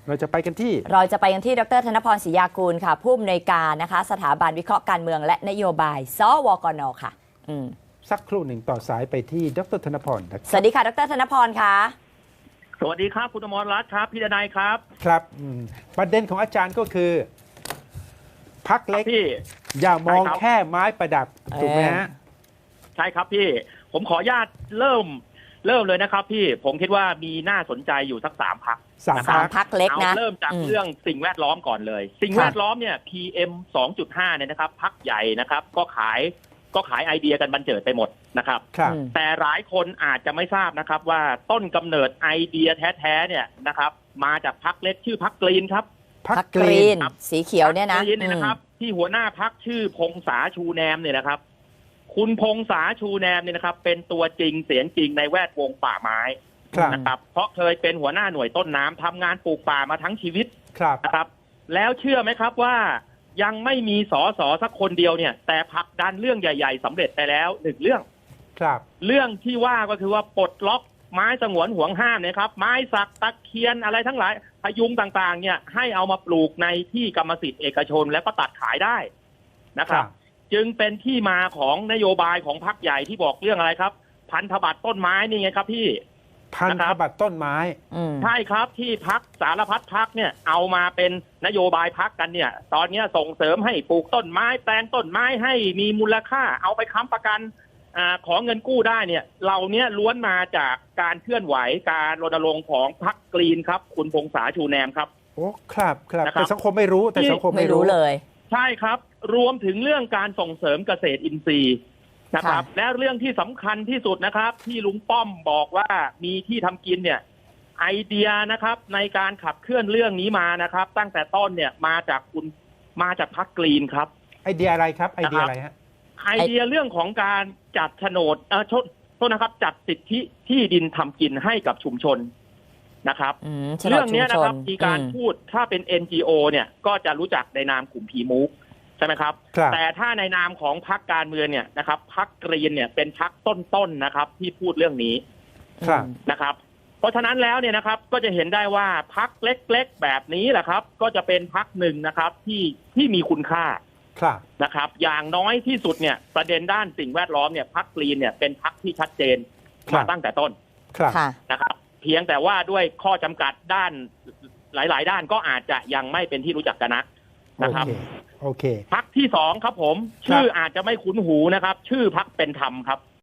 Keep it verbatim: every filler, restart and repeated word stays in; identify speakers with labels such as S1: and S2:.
S1: เราจะไปกันที่
S2: เราจะไปกันที่ดรธนพรศรียากูลค่ะผู้อำนวยการนะคะสถาบันวิเคราะห์การเมืองและนโยบายสวกนค่ะอืม
S1: สักครู่หนึ่งต่อสายไปที่ดรธนพรนะ
S2: สวัสดีค่ะดรธนพรค่ะ
S3: สวัสดีครับคุณอมรรัตน์ครับพี่ดนัยครับ
S1: ครับประเด็นของอาจารย์ก็คือพรรคเล็ก
S3: พี่
S1: อย่ามองแค่ไม้ประดับถูกไหมฮะ
S3: ใช่ครับพี่ผมขออนุญาตเริ่มเริ่มเลยนะครับพี่ผมคิดว่ามีน่าสนใจอยู่สักสามพรรค
S1: สาม
S2: พรรคเล็กนะ
S3: เริ่มจากเรื่องสิ่งแวดล้อมก่อนเลยสิ่งแวดล้อมเนี่ย พี เอ็ม สองจุดห้า เนี่ยนะครับพรรคใหญ่นะครับก็ขายก็ขายไอเดียกันบันเจิดไปหมดนะครับแต่หลายคนอาจจะไม่ทราบนะครับว่าต้นกำเนิดไอเดียแท้ๆเนี่ยนะครับมาจากพรรคเล็กชื่อพรรคกรีนครับ
S2: พรรคกรีนสีเขียวเนี่ยนะ
S3: นะครับที่หัวหน้าพรรคชื่อพงษาชูแนมเนี่ยนะครับคุณพงษาชูแนมเนี่ยนะครับเป็นตัวจริงเสียงจริงในแวดวงป่าไม้นะครับเพราะเคยเป็นหัวหน้าหน่วยต้นน้ำทำงานปลูกป่ามาทั้งชีวิตนะครับแล้วเชื่อไหมครับว่ายังไม่มีสอสอสักคนเดียวเนี่ยแต่ผลักดันเรื่องใหญ่ๆสำเร็จไปแล้วหนึ่งเรื่อง
S1: ครับ
S3: เรื่องที่ว่าก็คือว่าปลดล็อกไม้สงวนห่วงห้ามนะครับไม้สักตะเคียนอะไรทั้งหลายพยุงต่างๆเนี่ยให้เอามาปลูกในที่กรรมสิทธิ์เอกชนแล้วก็ตัดขายได้นะครับจึงเป็นที่มาของนโยบายของพรรคใหญ่ที่บอกเรื่องอะไรครับพันธบัตรต้นไม้นี่ไงครับพี่
S1: พันธบัตรต้นไม้
S3: ใช่ครับที่พรรคสารพัดพรรคเนี่ยเอามาเป็นนโยบายพรรคกันเนี่ยตอนนี้ส่งเสริมให้ปลูกต้นไม้แปลงต้นไม้ให้มีมูลค่าเอาไปค้ำประกันอ่าขอเงินกู้ได้เนี่ยเหล่านี้ล้วนมาจากการเคลื่อนไหวการรณรงค์ของพรรคกรีนครับคุณพงษาชูแนมครับ
S1: โอ้ครับครับแต่สังคมไม่รู้แต่สังคมไม่รู้
S2: เลย
S3: ใช่ครับรวมถึงเรื่องการส่งเสริมเกษตรอินทรีย์นะครับและเรื่องที่สำคัญที่สุดนะครับที่ลุงป้อมบอกว่ามีที่ทำกินเนี่ยไอเดียนะครับในการขับเคลื่อนเรื่องนี้มานะครับตั้งแต่ต้นเนี่ยมาจากคุณมาจากพรรคกรีนครับ
S1: ไอเดียอะไรครับไอเดียอะไรฮะ
S3: ไอเดียเรื่องของการจัดโฉนดเออโทษโทษนะครับจัดสิทธิที่ดินทำกินให้กับชุมชนนะครับเรื่องนี้นะครับมีการพูดถ้าเป็น เอ็น จี โอ เนี่ยก็จะรู้จักในนามกลุ่มพีมูกใช่ไหมครับแต่ถ้าในนามของพรรคการเมืองเนี่ยนะครับพรรคกรีนเนี่ยเป็นพรรคต้นๆนะครับที่พูดเรื่องนี้นะครับเพราะฉะนั้นแล้วเนี่ยนะครับก็จะเห็นได้ว่าพรรคเล็กๆแบบนี้แหละครับก็จะเป็นพรรคหนึ่งนะครับที่ที่มีคุณค่านะครับอย่างน้อยที่สุดเนี่ยประเด็นด้านสิ่งแวดล้อมเนี่ยพรรคกรีนเนี่ยเป็นพรรคที่ชัดเจนมาตั้งแต่ต้นนะครับเพียงแต่ว่าด้วยข้อจำกัดด้านหลายๆด้านก็อาจจะยังไม่เป็นที่รู้จักกันนักนะครับ
S1: โอเค
S3: พรรคที่สองครับผมชื่ออาจจะไม่คุ้นหูนะครับชื่อพรรคเป็นธรรมครับ